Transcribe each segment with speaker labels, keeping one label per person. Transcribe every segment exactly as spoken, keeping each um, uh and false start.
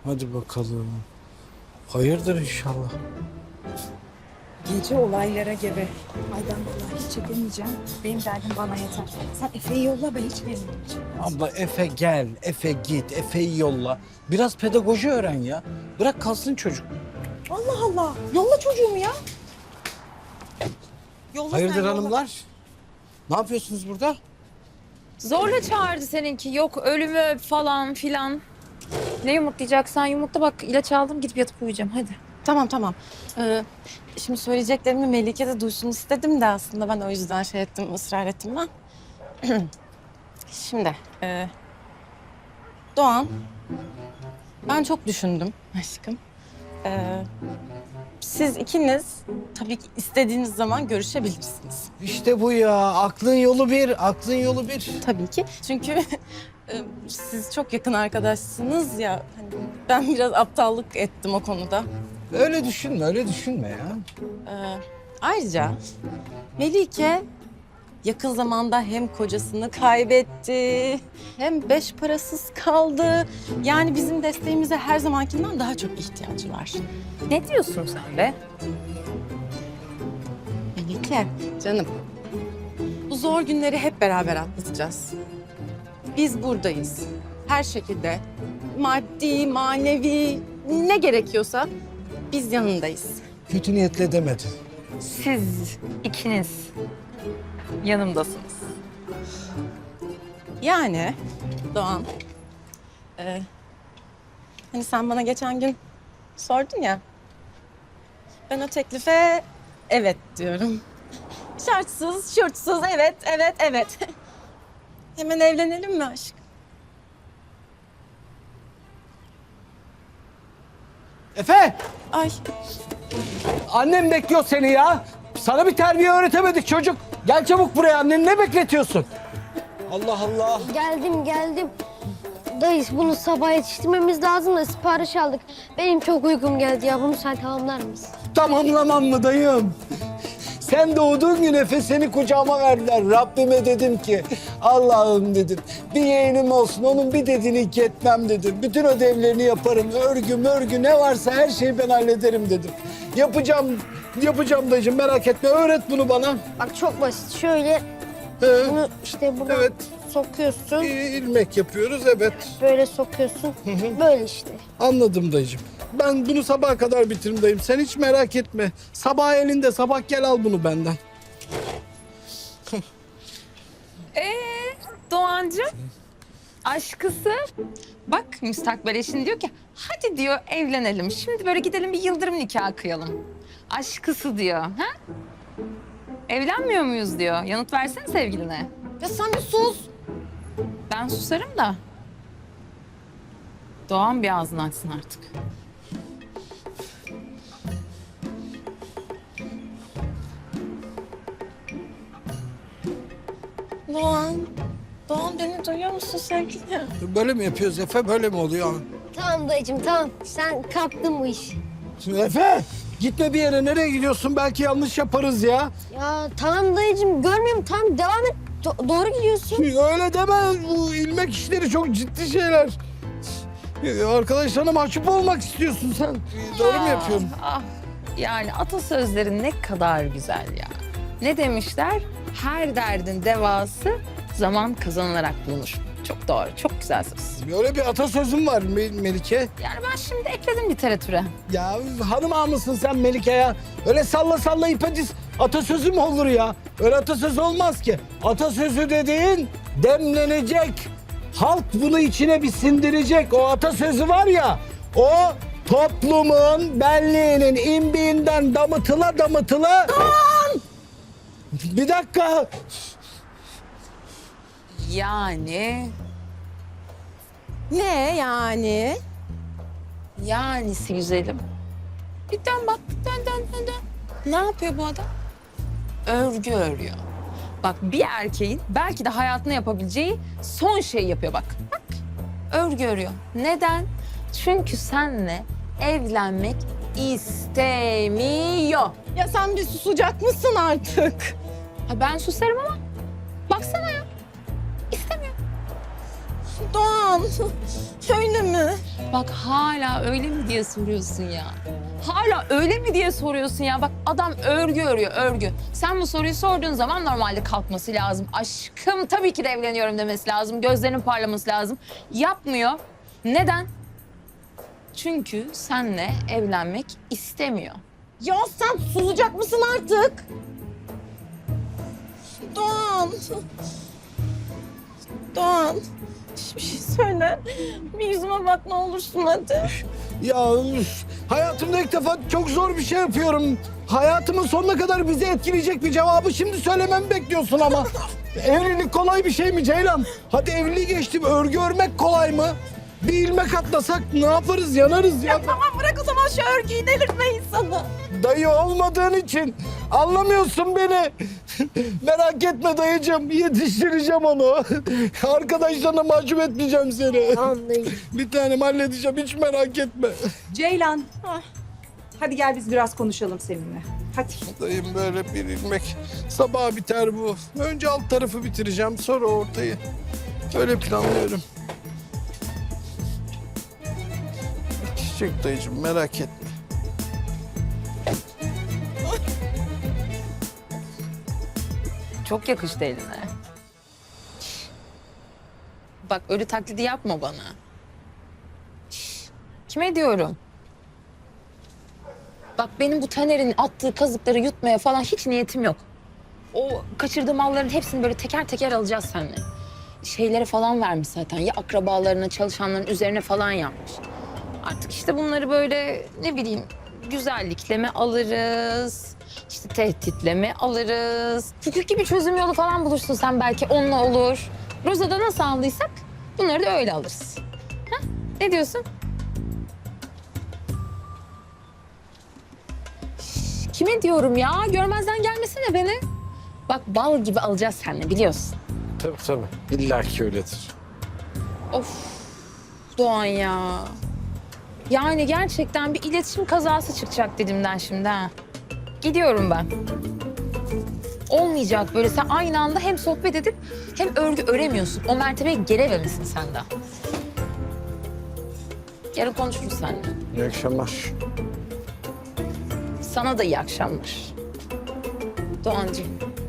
Speaker 1: Hadi bakalım. Hayırdır inşallah.
Speaker 2: Gece olaylara gebe. Ay ben vallahi hiç çekemeyeceğim. Benim derdim bana yeter. Sen Efe'yi yolla, ben hiç gelmeyeceğim.
Speaker 1: Abla Efe gel, Efe git, Efe'yi yolla. Biraz pedagoji öğren ya. Bırak kalsın çocuk.
Speaker 2: Allah Allah. Yolla çocuğumu ya. Yolla
Speaker 1: Hayırdır
Speaker 2: sen, yolla.
Speaker 1: hanımlar? Ne yapıyorsunuz burada?
Speaker 3: Zorla çağırdı seninki. Yok ölümü öp falan filan. Ne yumurtlayacaksan yumurtla, bak ilaç aldım, gidip yatıp uyuyacağım hadi.
Speaker 4: Tamam tamam. Ee, şimdi söyleyeceklerimi Melike de duysun istedim de aslında ben o yüzden şey ettim, ısrar ettim ben. Şimdi e, Doğan, ben çok düşündüm aşkım. Ee, siz ikiniz tabii ki istediğiniz zaman görüşebilirsiniz.
Speaker 1: İşte bu ya. Aklın yolu bir, aklın yolu bir.
Speaker 4: Tabii ki. Çünkü e, siz çok yakın arkadaşsınız ya. Hani ben biraz aptallık ettim o konuda.
Speaker 1: Öyle düşünme, öyle düşünme ya.
Speaker 4: Ee, ayrıca Melike yakın zamanda hem kocasını kaybetti hem beş parasız kaldı. Yani bizim desteğimize her zamankinden daha çok ihtiyacı var.
Speaker 3: Ne diyorsun sen be?
Speaker 4: Melike canım, bu zor günleri hep beraber atlatacağız. Biz buradayız. Her şekilde maddi, manevi ne gerekiyorsa biz yanındayız.
Speaker 1: Kötü niyetle demedi.
Speaker 3: Siz ikiniz yanımdasınız.
Speaker 4: Yani Doğan, e, hani sen bana geçen gün sordun ya, ben o teklife evet diyorum. Şartsız, şurtsuz, evet, evet, evet. Hemen evlenelim mi aşkım?
Speaker 1: Efe!
Speaker 4: Ay,
Speaker 1: Annem bekliyor seni ya. Sana bir terbiye öğretemedik çocuk. Gel çabuk buraya, anneni ne bekletiyorsun? Allah Allah.
Speaker 5: Geldim geldim. Dayı bunu sabah yetiştirmemiz lazım da sipariş aldık. Benim çok uykum geldi ya. Bunu sen tamamlar mısın?
Speaker 1: Tamamlamam mı dayım? Sen doğduğun gün Efe seni kucağıma verdiler. Rabbime dedim ki Allah'ım dedim bir yeğenim olsun, onun bir dediğini iki etmem dedim. Bütün ödevlerini yaparım, örgü mörgü ne varsa her şeyi ben hallederim dedim. Yapacağım, yapacağım dayıcığım, merak etme, öğret bunu bana.
Speaker 5: Bak çok basit. Şöyle
Speaker 1: Ee,
Speaker 5: bunu işte buradan
Speaker 1: evet.
Speaker 5: sokuyorsun.
Speaker 1: ilmek yapıyoruz, evet.
Speaker 5: Böyle sokuyorsun. Böyle işte.
Speaker 1: Anladım dayıcığım. Ben bunu sabaha kadar bitiririm dayım. Sen hiç merak etme. Sabah elinde, sabah gel al bunu benden.
Speaker 3: Ee, Doğancığım, aşkısı. Bak müstakbel eşin diyor ki hadi diyor evlenelim. Şimdi böyle gidelim bir yıldırım nikahı kıyalım. Aşkısı diyor. Ha? Evlenmiyor muyuz diyor. Yanıt versene sevgiline.
Speaker 4: ya sen bir sus.
Speaker 3: Ben susarım da. Doğan bir ağzını açsın artık.
Speaker 4: Doğan, Doğan beni duyuyor musun sevgilim?
Speaker 1: Böyle mi yapıyoruz Efe? Böyle mi oluyor?
Speaker 5: Tamam dayıcığım tamam. Sen kaptın bu işi.
Speaker 1: Şimdi Efe gitme bir yere. Nereye gidiyorsun? Belki yanlış yaparız ya.
Speaker 5: Ya tamam dayıcığım görmüyor musun? Tamam devam et. Do- doğru gidiyorsun.
Speaker 1: Öyle deme. Bu ilmek işleri çok ciddi şeyler. Arkadaşlarına mahcup olmak istiyorsun sen. Doğru mu yapıyorum?
Speaker 3: Ah, yani atasözleri ne kadar güzel ya. Ne demişler? Her derdin devası zaman kazanılarak bulunur. Çok doğru, çok güzel söz.
Speaker 1: Böyle bir atasözüm var Me- Melike.
Speaker 3: Yani ben şimdi ekledim literatüre.
Speaker 1: Ya hanım ağa mısın sen Melike ya? Öyle salla salla ipe diz. Atasözü mü olur ya? Öyle atasözü olmaz ki. Atasözü dediğin demlenecek. Halk bunu içine bir sindirecek. O atasözü var ya, o toplumun benliğinin imbiğinden damıtıla damıtıla... Bir dakika.
Speaker 3: Yani,
Speaker 4: Ne yani?
Speaker 3: yanisi güzelim. Bir dön bak, dön dön dön dön. Ne yapıyor bu adam? Örgü örüyor. Bak bir erkeğin belki de hayatında yapabileceği son şeyi yapıyor bak. Bak, örgü örüyor. Neden? Çünkü seninle evlenmek istemiyor.
Speaker 4: Ya sen bir susacak mısın artık?
Speaker 3: Ha ben susarım ama baksana ya. İstemiyor.
Speaker 4: Doğan, öyle mi?
Speaker 3: Bak hala öyle mi diye soruyorsun ya. Hala öyle mi diye soruyorsun ya. Bak adam örgü örüyor, örgü. Sen bu soruyu sorduğun zaman normalde kalkması lazım. Aşkım tabii ki de evleniyorum demesi lazım. Gözlerinin parlaması lazım. Yapmıyor. Neden? Çünkü senle evlenmek istemiyor.
Speaker 4: Ya sen susacak mısın artık? Doğan. Doğan. Bir şey söyle. Bir yüzüme bak ne olursun hadi.
Speaker 1: Ya üf, hayatımda ilk defa çok zor bir şey yapıyorum. Hayatımın sonuna kadar bizi etkileyecek bir cevabı şimdi söylememi bekliyorsun ama. Evlilik kolay bir şey mi Ceylan? Hadi evliliği geçtim. Örgü örmek kolay mı? Bir ilmek atlasak ne yaparız? Yanarız ya.
Speaker 4: Ya tamam bırak o zaman şu örgüyü, delirtme insanı.
Speaker 1: Dayı olmadığın için anlamıyorsun beni. Merak etme dayıcığım. Yetiştireceğim onu. Arkadaşlarına mahcup etmeyeceğim seni.
Speaker 5: Tamam dayı.
Speaker 1: Bir tanem halledeceğim. Hiç merak etme.
Speaker 2: Ceylan. Hadi gel biz biraz konuşalım seninle. Hadi.
Speaker 1: Dayım böyle bir ilmek. Sabah biter bu. Önce alt tarafı bitireceğim. Sonra ortayı. Öyle planlıyorum. Çiçek dayıcığım merak etme.
Speaker 3: Çok yakıştı eline. Bak ölü taklidi yapma bana. Kime diyorum? Bak benim bu Taner'in attığı kazıkları yutmaya falan hiç niyetim yok. O kaçırdığı malların hepsini böyle teker teker alacağız seninle. Şeylere falan vermiş zaten. Ya akrabalarına, çalışanların üzerine falan yapmış. Artık işte bunları böyle ne bileyim güzellikle mi alırız? İşte tehditle mi alırız? Hukuki bir çözüm yolu falan bulursun sen belki onunla olur. Roza'da nasıl aldıysak bunları da öyle alırız. Ha? Ne diyorsun? Şş, kime diyorum ya? Görmezden gelmesene beni. Bak bal gibi alacağız seninle biliyorsun.
Speaker 1: Tabii tabii. İlla ki öyledir.
Speaker 3: Of Doğan ya. Yani gerçekten bir iletişim kazası çıkacak dedimden şimdi ha. Gidiyorum ben. Olmayacak böyle sen aynı anda hem sohbet edip hem örgü öremiyorsun. O mertebeye gelememişsin sen daha. Yarın konuşuruz seninle.
Speaker 1: İyi akşamlar.
Speaker 3: Sana da iyi akşamlar. Doğancığım.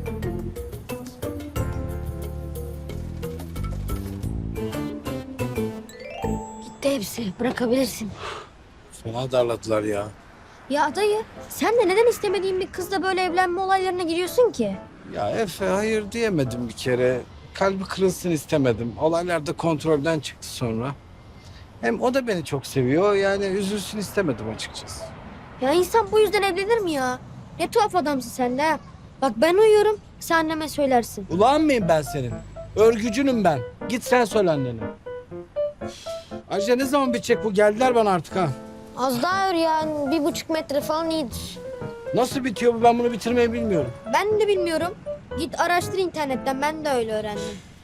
Speaker 5: Gitti hepsi. Bırakabilirsin.
Speaker 1: Fena darladılar ya.
Speaker 5: Ya dayı sen de neden istemediğin bir kızla böyle evlenme olaylarına giriyorsun ki?
Speaker 1: Ya Efe hayır diyemedim bir kere. Kalbi kırılsın istemedim. Olaylar da kontrolden çıktı sonra. Hem o da beni çok seviyor. Yani üzülsün istemedim açıkçası.
Speaker 5: Ya insan bu yüzden evlenir mi ya? Ne tuhaf adamsın sen de ha. Bak ben uyuyorum sen anneme söylersin.
Speaker 1: Ulan mıyım ben senin? Örgücünüm ben. Git sen söyle annene. Ayrıca ne zaman bitecek bu? Geldiler bana artık ha.
Speaker 5: Az daha ör ya bir buçuk metre falan iyidir.
Speaker 1: Nasıl bitiyor bu? Ben bunu bitirmeyi bilmiyorum.
Speaker 5: Ben de bilmiyorum. Git araştır internetten ben de öyle öğrendim.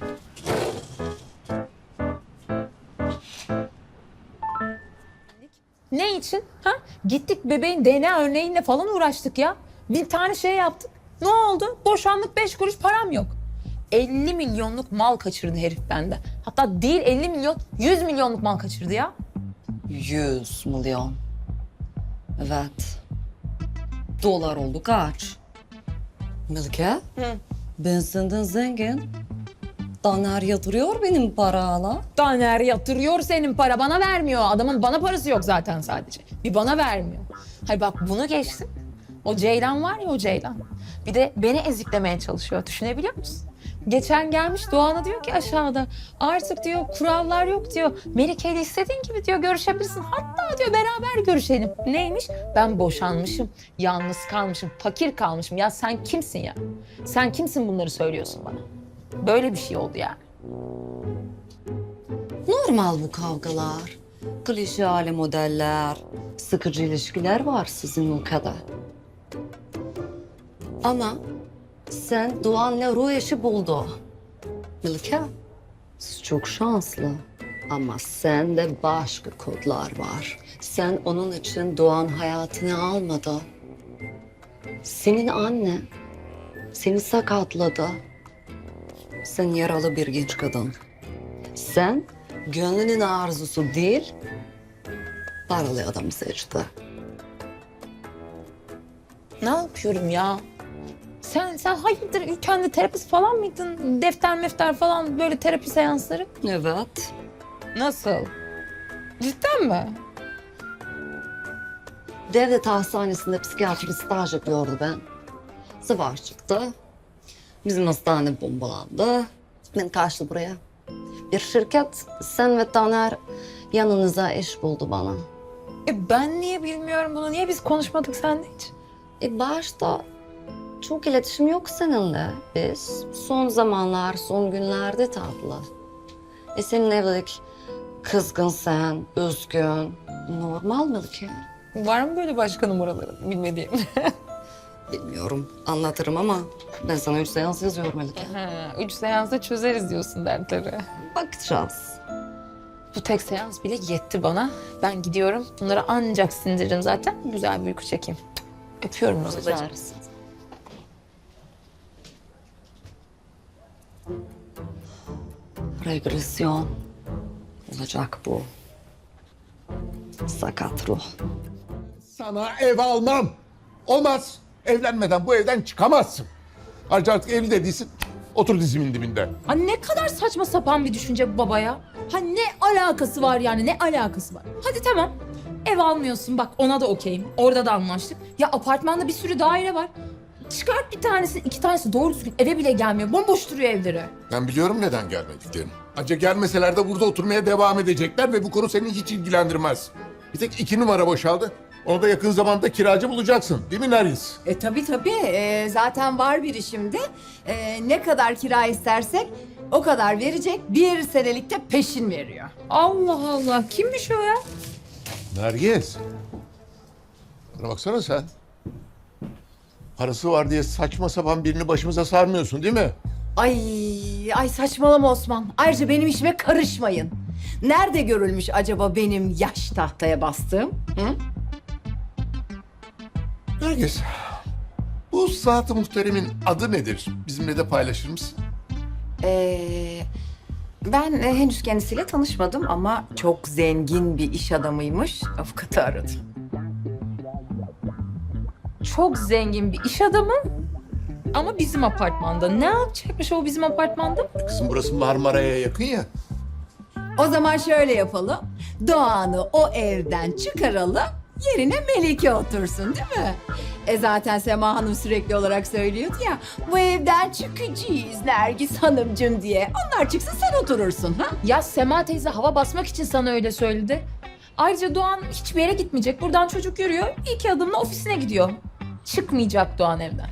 Speaker 3: Ne için? Ha? Gittik bebeğin D N A örneğiyle falan uğraştık ya. Bir tane şey yaptık. Ne oldu? Boşanlık beş kuruş param yok. elli milyonluk mal kaçırdı herif bende. Hatta değil elli milyon, yüz milyonluk mal kaçırdı ya.
Speaker 6: Yüz milyon. Evet. Dolar oldu kaç? Melike? Ben senden zengin. Daner yatırıyor benim parayla.
Speaker 3: Taner yatırıyor senin para bana vermiyor. Adamın bana parası yok zaten sadece. Bir bana vermiyor. Hayır bak bunu geçtim. O Ceylan var ya o Ceylan. Bir de beni eziklemeye çalışıyor. Düşünebiliyor musun? Geçen gelmiş Doğan'a diyor ki aşağıda artık diyor kurallar yok diyor. Melike ile istediğin gibi diyor görüşebilirsin. Hatta diyor beraber görüşelim. Neymiş? Ben boşanmışım, yalnız kalmışım, fakir kalmışım. Ya sen kimsin ya? Sen kimsin bunları söylüyorsun bana? Böyle bir şey oldu yani.
Speaker 6: Normal bu kavgalar. Klişe modeller, sıkıcı ilişkiler var sizin ülkede. Ama sen Doğan'la ruh eşi buldu. Melike, siz çok şanslı. Ama sende başka kodlar var. Sen onun için Doğan hayatını almadı. Senin anne seni sakatladı. Sen yaralı bir genç kadın. Sen gönlünün arzusu değil, paralı adamı seçti.
Speaker 3: Ne yapıyorum ya? Sen sen hayırdır ülkende terapist falan mıydın? Defter mefter falan böyle terapi seansları.
Speaker 6: Evet.
Speaker 3: Nasıl? Cidden mi?
Speaker 6: Devlet hastanesinde psikiyatri staj yapıyordu ben. Savaş çıktı. Bizim hastane bombalandı. Beni kaçtı buraya. Bir şirket, sen ve Taner yanınıza iş buldu bana.
Speaker 3: E ben niye bilmiyorum bunu? Niye biz konuşmadık seninle hiç?
Speaker 6: E başta çok iletişim yok seninle. Biz son zamanlar, son günlerde tatlı. E senin evlilik kızgın sen, üzgün. Normal mi ki?
Speaker 3: Var mı böyle başka numaraları bilmediğim?
Speaker 6: Bilmiyorum, anlatırım ama ben sana üç seans yazıyorum Melike.
Speaker 3: Ha, üç seansta çözeriz diyorsun dertleri.
Speaker 6: Bakacağız.
Speaker 3: Bu tek seans bile yetti bana. Ben gidiyorum. Bunları ancak sindiririm zaten. Güzel bir uyku çekeyim. Öpüyorum Rozacığım.
Speaker 6: Bakacağız. Regresyon olacak bu. Sakat ruh.
Speaker 7: Sana ev almam. Olmaz. Evlenmeden bu evden çıkamazsın. Ayrıca artık evli de değilsin. Otur dizimin dibinde.
Speaker 8: Ha ne kadar saçma sapan bir düşünce bu baba ya. Ha ne alakası var yani ne alakası var? Hadi tamam ev almıyorsun bak ona da okeyim. Orada da anlaştık. Ya apartmanda bir sürü daire var. Çıkart bir tanesi iki tanesi doğru düzgün eve bile gelmiyor. Bomboş duruyor evleri.
Speaker 7: Ben biliyorum neden gelmediklerini. Ancak gelmeseler de burada oturmaya devam edecekler ve bu konu seni hiç ilgilendirmez. Bir tek iki numara boşaldı. Onu da yakın zamanda kiracı bulacaksın. Değil mi Nergis?
Speaker 9: E tabii tabii. E, zaten var biri şimdi. E, ne kadar kira istersek o kadar verecek. Bir senelikte peşin veriyor.
Speaker 8: Allah Allah kimmiş o ya?
Speaker 7: Nergis. Bana baksana sen. Parası var diye saçma sapan birini başımıza sarmıyorsun değil mi?
Speaker 9: Ay ay saçmalama Osman. Ayrıca benim işime karışmayın. Nerede görülmüş acaba benim yaş tahtaya bastığım? Hı?
Speaker 7: Nergis. Bu zat-ı muhteremin adı nedir? Bizimle de paylaşır mısın?
Speaker 9: Ee, ben e, henüz kendisiyle tanışmadım ama çok zengin bir iş adamıymış. Avukatı aradı.
Speaker 8: Çok zengin bir iş adamı ama bizim apartmanda. Ne yapacakmış o bizim apartmanda?
Speaker 7: Kızım burası Marmara'ya yakın ya.
Speaker 9: O zaman şöyle yapalım. Doğan'ı o evden çıkaralım. Yerine Melike otursun değil mi? E zaten Sema Hanım sürekli olarak söylüyordu ya. Bu evden çıkacağız Nergis Hanımcığım diye. Onlar çıksın sen oturursun ha?
Speaker 8: Ya Sema teyze hava basmak için sana öyle söyledi. Ayrıca Doğan hiçbir yere gitmeyecek. Buradan çocuk yürüyor. İki adımla ofisine gidiyor. Çıkmayacak Doğan evden.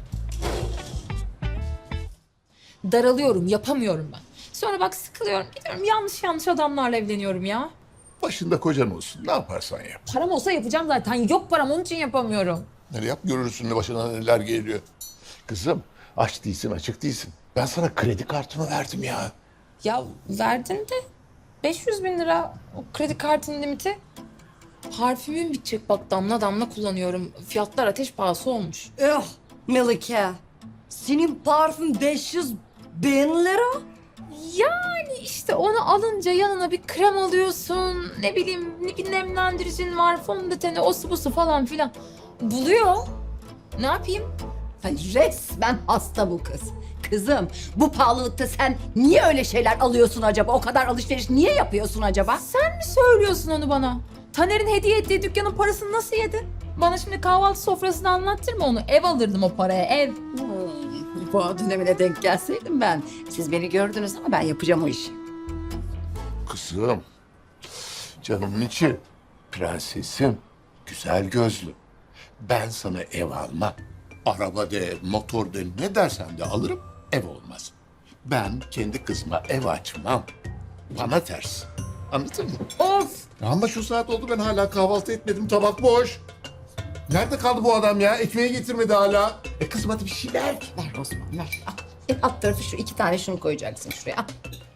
Speaker 8: Daralıyorum, yapamıyorum ben. Sonra bak sıkılıyorum, gidiyorum yanlış yanlış adamlarla evleniyorum ya.
Speaker 7: Başında kocan olsun. Ne yaparsan yap.
Speaker 8: Param olsa yapacağım zaten. Yok param onun için yapamıyorum.
Speaker 7: Nereye yap görürsün ne başına neler geliyor. Kızım aç değilsin açık değilsin. Ben sana kredi kartımı verdim ya.
Speaker 3: Ya verdin de beş yüz bin lira o kredi kartının limiti. Parfümüm bitecek bak damla damla kullanıyorum. Fiyatlar ateş pahası olmuş.
Speaker 6: Eh Melike, senin parfüm beş yüz bin lira.
Speaker 8: Yani işte onu alınca yanına bir krem alıyorsun. Ne bileyim bir nemlendiricin var, fondöteni, osu busu falan filan. Buluyor. Ne yapayım?
Speaker 9: Ay, resmen hasta bu kız. Kızım bu pahalılıkta sen niye öyle şeyler alıyorsun acaba? O kadar alışveriş niye yapıyorsun acaba?
Speaker 8: Sen mi söylüyorsun onu bana? Taner'in hediye ettiği dükkanın parasını nasıl yedi? Bana şimdi kahvaltı sofrasını anlattırma onu. Ev alırdım o paraya, ev.
Speaker 9: Hmm, bu dönemine denk gelseydim ben. Siz beni gördünüz ama ben yapacağım o işi.
Speaker 7: Kızım. Canımın içi. Prensesim. Güzel gözlü. Ben sana ev almam. Araba de, motor de ne dersen de alırım. Ev olmaz. Ben kendi kızıma ev açmam. Bana ters. Anladın mı?
Speaker 8: Of!
Speaker 7: Ama şu saat oldu ben hala kahvaltı etmedim. Tabak boş. Nerede kaldı bu adam ya? Ekmeği getirmedi hala. E kızım hadi bir şey ver.
Speaker 9: Ver Osman ver. Al. E, alt tarafı şu iki tane şunu koyacaksın şuraya. Al.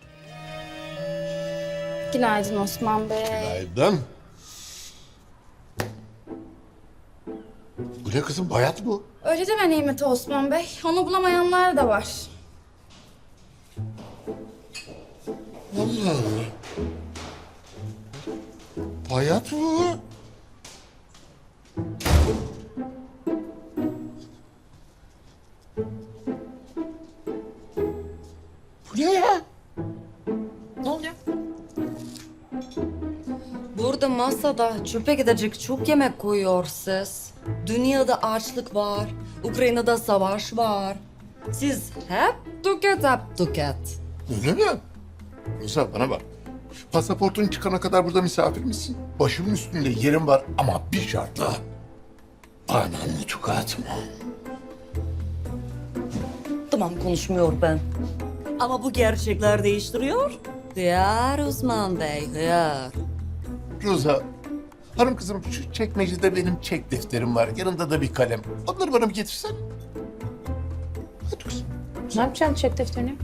Speaker 2: Günaydın Osman Bey.
Speaker 7: Günaydın. Bu ne kızım? Bayat bu.
Speaker 2: Öyle deme Nimet Osman Bey. Onu bulamayanlar da var.
Speaker 7: Allah Allah. Hayat bu. Bu ne ya?
Speaker 3: Ne oluyor?
Speaker 6: Burada masada çöpe gidecek çok yemek koyuyorsunuz. Dünyada açlık var, Ukrayna'da savaş var. Siz hep tüket, hep tüket.
Speaker 7: Öyle mi? Roza bana bak. Pasaportun çıkana kadar burada misafir misin? Başımın üstünde yerim var ama bir şartla. Bana nutuk atma.
Speaker 6: Tamam konuşmuyor ben. Ama bu gerçekler değiştiriyor. Hıyar Osman Bey, hıyar.
Speaker 7: Roza, hanım kızım şu çekmecede benim çek defterim var. Yanında da bir kalem. Onları bana bir getirsen. Hadi kızım.
Speaker 8: Ne yapacaksın çek defterini?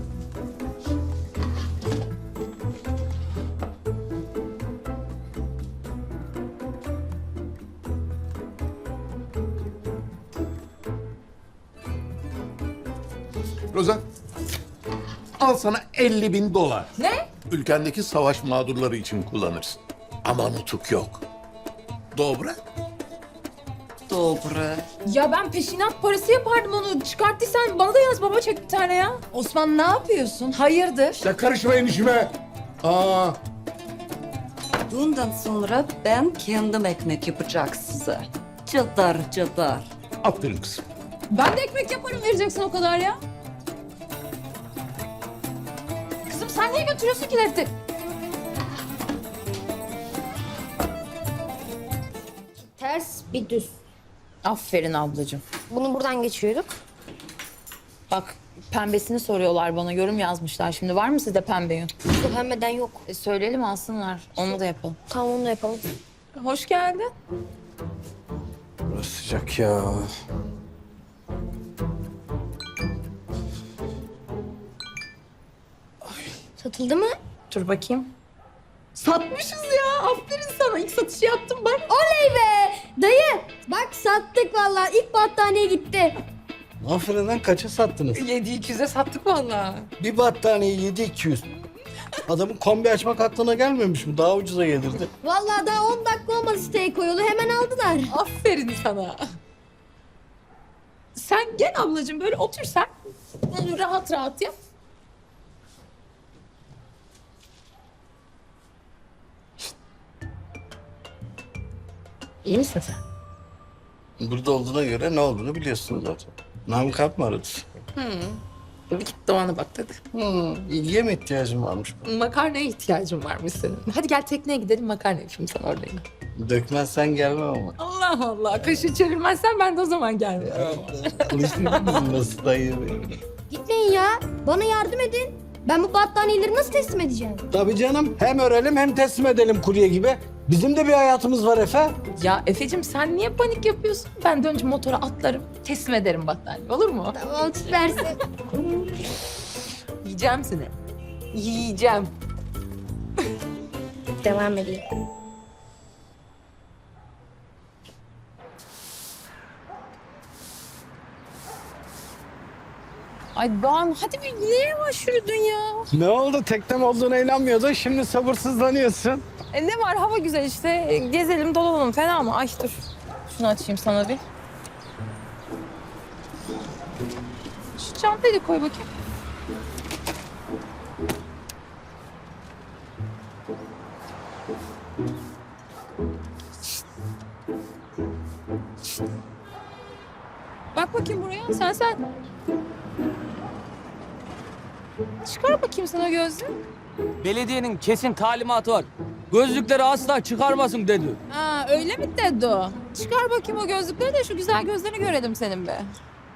Speaker 7: Roza, al sana elli bin dolar.
Speaker 8: Ne?
Speaker 7: Ülkendeki savaş mağdurları için kullanırsın. Ama nutuk yok. Dobra.
Speaker 6: Dobra.
Speaker 8: Ya ben peşinat parası yapardım onu. Çıkarttıysan bana da yaz baba çek bir tane ya.
Speaker 9: Osman ne yapıyorsun? Hayırdır?
Speaker 7: Ya karışmayın işime. Aa,
Speaker 6: Bundan sonra ben kendim ekmek yapacak size. Çıtır çıtır.
Speaker 7: aferin kızım.
Speaker 8: Ben de ekmek yaparım vereceksin o kadar ya. Kızım sen niye götürüyorsun ki defteri?
Speaker 5: Ters bir düz.
Speaker 8: Aferin ablacığım.
Speaker 5: Bunu buradan geçiyorduk.
Speaker 8: Bak pembesini soruyorlar bana. Yorum yazmışlar. Şimdi var mı sizde pembe yün?
Speaker 5: Bu pembeden yok.
Speaker 8: E, söyleyelim alsınlar. Onu da yapalım.
Speaker 5: Tamam onu da yapalım.
Speaker 8: Hoş geldin.
Speaker 1: Burası sıcak ya.
Speaker 5: Satıldı mı?
Speaker 8: Dur bakayım. Satmışız ya. Aferin sana. İlk satışı yaptım bak.
Speaker 5: Oley be! Dayı bak sattık vallahi. İlk battaniye gitti.
Speaker 1: Aferin lan kaça sattınız?
Speaker 8: yedi iki yüze sattık vallahi.
Speaker 1: Bir battaniye yedi iki yüz. Adamın kombi açmak aklına gelmemiş mi? Daha ucuza gelirdi.
Speaker 5: Vallahi daha on dakika olmadı siteye koyulu. Hemen aldılar.
Speaker 8: Aferin sana. Sen gel ablacığım böyle otur sen. Böyle rahat rahat yap. İyi misin sen?
Speaker 1: Burada olduğuna göre ne olduğunu biliyorsun zaten. Namık Alp mı aradı?
Speaker 8: Bir git Doğan'a bak dedi.
Speaker 1: Hı, ilgiye mi ihtiyacın varmış?
Speaker 8: Makarnaya ihtiyacın varmış senin. Hadi gel tekneye gidelim makarna yapayım sana orada yine.
Speaker 1: Dökmezsen gelmem ama.
Speaker 8: Allah Allah. Kaşı çevirmezsen ben de o zaman gelmiyorum.
Speaker 1: Konuştun mu nasıl dayı benim?
Speaker 5: Gitmeyin ya. Bana yardım edin. Ben bu battaniyeleri nasıl teslim edeceğim?
Speaker 1: Tabii canım. Hem örelim hem teslim edelim kurye gibi. Bizim de bir hayatımız var Efe.
Speaker 8: Ya Efe'cim sen niye panik yapıyorsun? Ben de önce motora atlarım, teslim ederim battaniye. Olur mu?
Speaker 5: Tamam süpersin.
Speaker 8: Yiyeceğim seni. Yiyeceğim.
Speaker 5: Devam edeyim.
Speaker 8: Ay Doğan hadi bir niye yavaş yürüdün ya?
Speaker 1: Ne oldu? Teknem olduğuna inanmıyordun. Şimdi sabırsızlanıyorsun.
Speaker 8: E ne var hava güzel işte. E, gezelim dolanalım fena mı? Ay dur. Şunu açayım sana bir. Şu çantayı da koy bakayım. Bak bakayım buraya. Sen sen. Çıkar bakayım sana gözlüğü.
Speaker 10: Belediyenin kesin talimatı var. Gözlükleri asla çıkarmasın dedi.
Speaker 8: Ha öyle mi dedi o? Çıkar bakayım o gözlükleri de şu güzel gözlerini görelim senin be.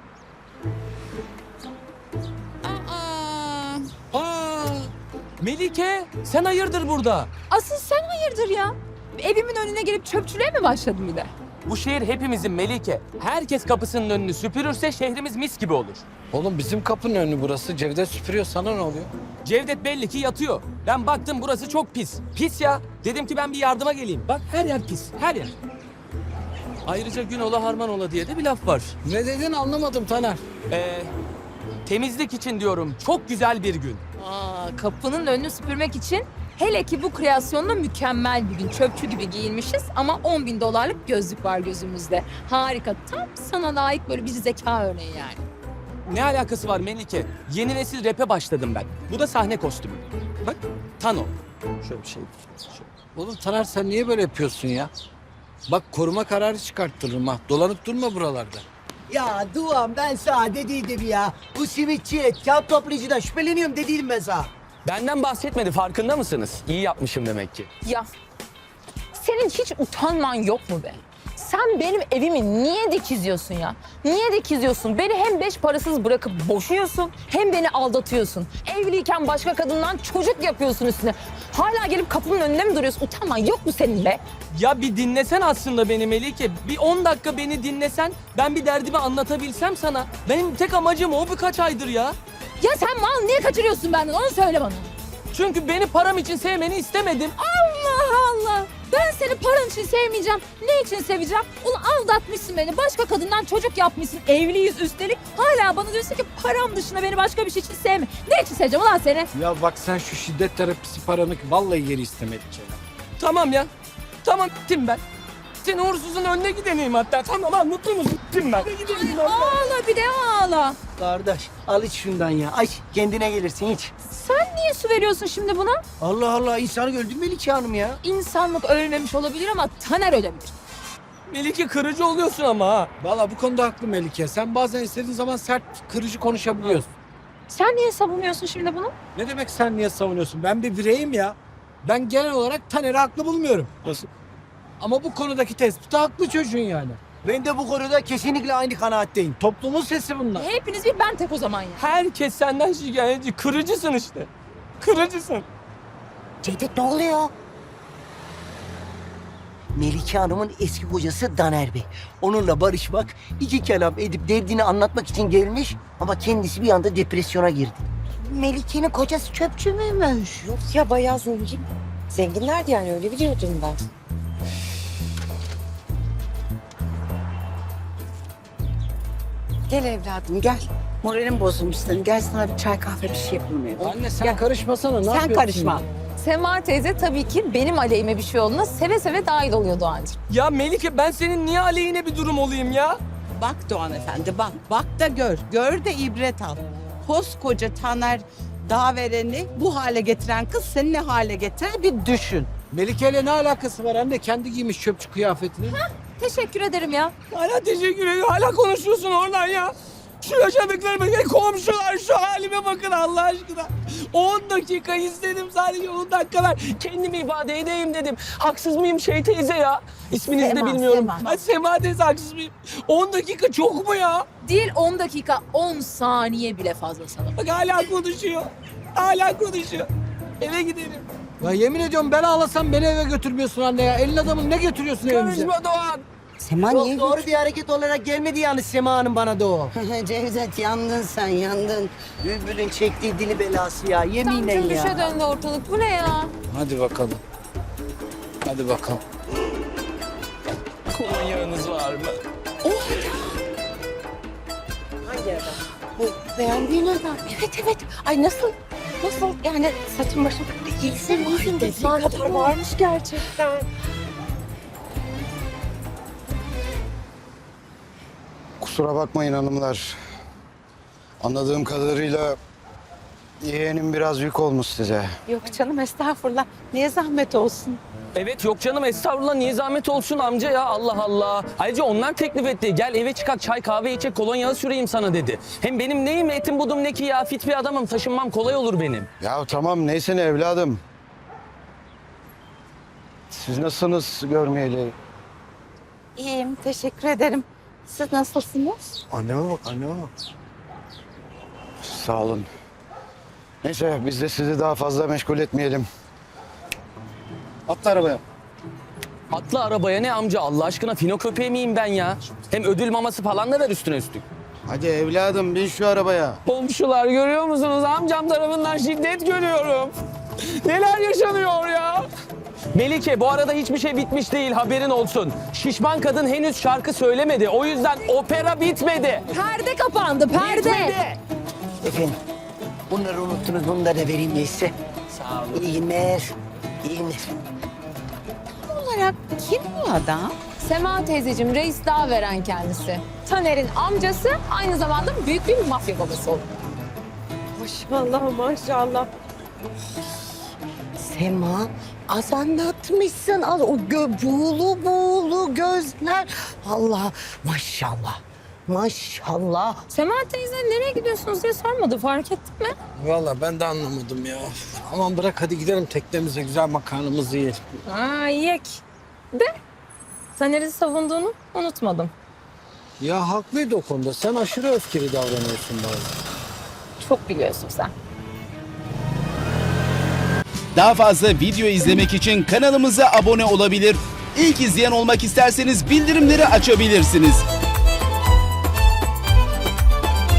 Speaker 8: Aa,
Speaker 10: Aa, Melike sen hayırdır burada?
Speaker 8: asıl sen hayırdır ya? Evimin önüne gelip çöpçülüğe mi başladın bir de?
Speaker 10: Bu şehir hepimizin Melike. Herkes kapısının önünü süpürürse şehrimiz mis gibi olur.
Speaker 1: Oğlum bizim kapının önü burası. Cevdet süpürüyor. Sana ne oluyor?
Speaker 10: Cevdet belli ki yatıyor. Ben baktım burası çok pis. Pis ya. Dedim ki ben bir yardıma geleyim. Bak her yer pis. Her yer. Ayrıca gün ola harman ola diye de bir laf var.
Speaker 1: Ne dedin anlamadım Taner.
Speaker 10: Ee, temizlik için diyorum. Çok güzel bir gün.
Speaker 8: Aa, kapının önünü süpürmek için Hele ki bu kreasyonda mükemmel bir gün. Çöpçü gibi giyinmişiz ama on bin dolarlık gözlük var gözümüzde. Harika. Tam sana layık böyle bir zeka örneği yani.
Speaker 10: Ne alakası var Melike? Yeni nesil rap'e başladım ben. Bu da sahne kostümü. Bak, Tano. Şöyle bir şey. Şöyle.
Speaker 1: Oğlum Taner sen niye böyle yapıyorsun ya? Bak koruma kararı çıkarttırırım ha. Dolanıp durma buralarda.
Speaker 11: Ya Doğan ben sana dediydim ya. Bu simitçi, kağıt toplayıcıdan şüpheleniyorum dediydim ben sana.
Speaker 10: Benden bahsetmedi, farkında mısınız? İyi yapmışım demek ki.
Speaker 3: Ya senin hiç utanman yok mu be? Sen benim evimi niye dikizliyorsun ya? Niye dikizliyorsun? Beni hem beş parasız bırakıp boşuyorsun hem beni aldatıyorsun. Evliyken başka kadından çocuk yapıyorsun üstüne. Hala gelip kapının önünde mi duruyorsun? Utanman yok mu senin be?
Speaker 10: Ya bir dinlesen aslında beni Melike. Bir on dakika beni dinlesen, ben bir derdimi anlatabilsem sana. Benim tek amacım o birkaç aydır ya.
Speaker 8: Ya sen mal niye kaçırıyorsun benden onu söyle bana.
Speaker 10: Çünkü beni param için sevmeni istemedim.
Speaker 8: Allah Allah. Ben seni paran için sevmeyeceğim. Ne için seveceğim? Ulan aldatmışsın beni. Başka kadından çocuk yapmışsın. Evliyiz üstelik. Hala bana diyorsun ki param dışında beni başka bir şey için sevme. Ne için seveceğim ulan seni?
Speaker 1: Ya bak sen şu şiddet terapisi paranı vallahi geri istemedik ya.
Speaker 10: Tamam ya. Tamam gittim ben. Senin uğursuzun önüne gideneyim hatta. Tamam lan mutlu musun? Gittim ben.
Speaker 8: Ağla bir de ağla.
Speaker 11: Kardeş al iç şundan ya. Aç kendine gelirsin iç.
Speaker 8: Sen niye su veriyorsun şimdi buna?
Speaker 11: Allah Allah insanı öldürme Melike Hanım ya.
Speaker 8: İnsanlık ölmemiş olabilir ama Taner ölebilir.
Speaker 10: Melike kırıcı oluyorsun ama ha.
Speaker 1: Vallahi bu konuda haklı Melike. Sen bazen istediğin zaman sert, kırıcı konuşabiliyorsun.
Speaker 8: Sen niye savunuyorsun şimdi bunu?
Speaker 1: Ne demek sen niye savunuyorsun? Ben bir bireyim ya. Ben genel olarak Taner'i haklı bulmuyorum. Nasıl? Ama bu konudaki tespiti haklı çocuğun yani.
Speaker 11: Ben de bu konuda kesinlikle aynı kanaatteyim.
Speaker 1: Toplumun sesi bunlar.
Speaker 8: Hepiniz bir ben tek o zaman ya.
Speaker 10: Herkes senden şikayetçi. Kırıcısın işte. Kırıcısın.
Speaker 11: Cevdet ne oluyor? Melike Hanım'ın eski kocası Daner Bey. Onunla barışmak, iki kelam edip derdini anlatmak için gelmiş ama kendisi bir anda depresyona girdi. Melike'nin kocası çöpçü müymüş?
Speaker 4: Yok ya bayağı zengin. Zenginlerdi yani öyle biliyordum ben. Gel evladım gel. Moralim bozulmuş senin. Gel sana bir çay kahve bir şey yapalım.
Speaker 1: Anne sen karışmasana. Ne
Speaker 4: Sen
Speaker 1: yapıyorsun
Speaker 4: karışma.
Speaker 1: ya?
Speaker 3: Sema teyze tabii ki benim aleyhime bir şey olduğunda seve seve dahil oluyor Doğancığım.
Speaker 10: Ya Melike ben senin niye aleyhine bir durum olayım ya?
Speaker 12: Bak Doğan Efendi bak. Bak da gör. Gör de ibret al. Koskoca Taner Dağveren'i bu hale getiren kız seni ne hale getirir bir düşün.
Speaker 1: Melike'yle ne alakası var anne? Kendi giymiş çöpçü kıyafetini.
Speaker 8: Teşekkür ederim ya.
Speaker 10: Hala teşekkür ederim. Hala konuşuyorsun oradan ya. Şu yaşadıklarıma gel komşular şu halime bakın Allah aşkına. on dakika istedim sadece on dakika ver. Kendimi ifade edeyim dedim. Haksız mıyım şey teyze ya? İsminizi de
Speaker 12: Sema,
Speaker 10: bilmiyorum.
Speaker 12: Sema.
Speaker 10: Ay Sema teyze haksız mıyım? on dakika çok mu ya?
Speaker 8: Değil on dakika on saniye bile fazla sana.
Speaker 10: Bak hala konuşuyor. Hala konuşuyor. Eve gidelim.
Speaker 1: Ya yemin ediyorum ben ağlasam beni eve götürmüyorsun anne ya. Elin adamın ne götürüyorsun evimize?
Speaker 10: Konuşma Doğan.
Speaker 12: Sema
Speaker 11: Çok doğru bir hareket olarak gelmedi yani Sema Hanım bana da o.
Speaker 12: Cevdet yandın sen yandın.
Speaker 11: Bülbül'ün çektiği dili belası ya yeminle
Speaker 3: Tam cümbüşe
Speaker 11: ya.
Speaker 3: döndü ortalık. Bu ne ya?
Speaker 1: Hadi bakalım. Hadi bakalım.
Speaker 10: Kolonyağınız var mı?
Speaker 4: Hangi adam? Bu beğendiğin adam. Evet evet. Ay nasıl? Nasıl? Yani saçım başım. İyisin iyisin. Dediği kadar varmış gerçekten.
Speaker 13: Kusura bakmayın hanımlar. Anladığım kadarıyla yeğenim biraz yük olmuş size.
Speaker 12: Yok canım estağfurullah. Niye zahmet olsun?
Speaker 10: Evet yok canım estağfurullah niye zahmet olsun amca ya Allah Allah. Ayrıca onlar teklif etti. Gel eve çıkak çay kahve içecek kolonyağı süreyim sana dedi. Hem benim neyim etim budum ne ki ya fit bir adamım taşınmam kolay olur benim.
Speaker 13: Ya tamam neyse ne evladım. Siz nasılsınız görmeyeli?
Speaker 12: İyiyim teşekkür ederim. Siz nasılsınız?
Speaker 13: Anneme bak anneme bak. Sağ olun. Neyse biz de sizi daha fazla meşgul etmeyelim. Atla arabaya.
Speaker 10: Atla arabaya ne amca Allah aşkına fino köpeği miyim ben ya? Hem ödül maması falan da ver üstüne üstlük.
Speaker 13: Hadi evladım bin şu arabaya.
Speaker 10: Komşular görüyor musunuz? Amcam tarafından şiddet görüyorum. Neler yaşanıyor ya? Melike bu arada hiçbir şey bitmiş değil haberin olsun. Şişman kadın henüz şarkı söylemedi. O yüzden opera bitmedi.
Speaker 8: Perde kapandı perde.
Speaker 10: Bitmedi.
Speaker 11: Efendim bunları unuttunuz bunları da vereyim neyse.
Speaker 10: Sağ olun.
Speaker 11: İyi günler. İyi günler.
Speaker 12: Olarak kim bu adam?
Speaker 3: Sema teyzeciğim, reis daha veren kendisi. Taner'in amcası, aynı zamanda büyük bir mafya babası oldu.
Speaker 12: Maşallah maşallah. Sema az anlatmışsın. Az o gö buğulu buğulu gözler. Allah maşallah. Maşallah.
Speaker 3: Sema teyze nereye gidiyorsunuz diye sormadı, fark ettin mi?
Speaker 1: Vallahi ben de anlamadım ya. Aman bırak hadi gidelim teknemize güzel makarnamızı yiyelim.
Speaker 3: Aa, yek. De, Taner'i savunduğunu unutmadım.
Speaker 1: Ya haklıydı o konuda. Sen aşırı öfkeli davranıyorsun bazen.
Speaker 3: Çok biliyorsun sen.
Speaker 14: Daha fazla video izlemek için kanalımıza abone olabilir. İlk izleyen olmak isterseniz bildirimleri açabilirsiniz.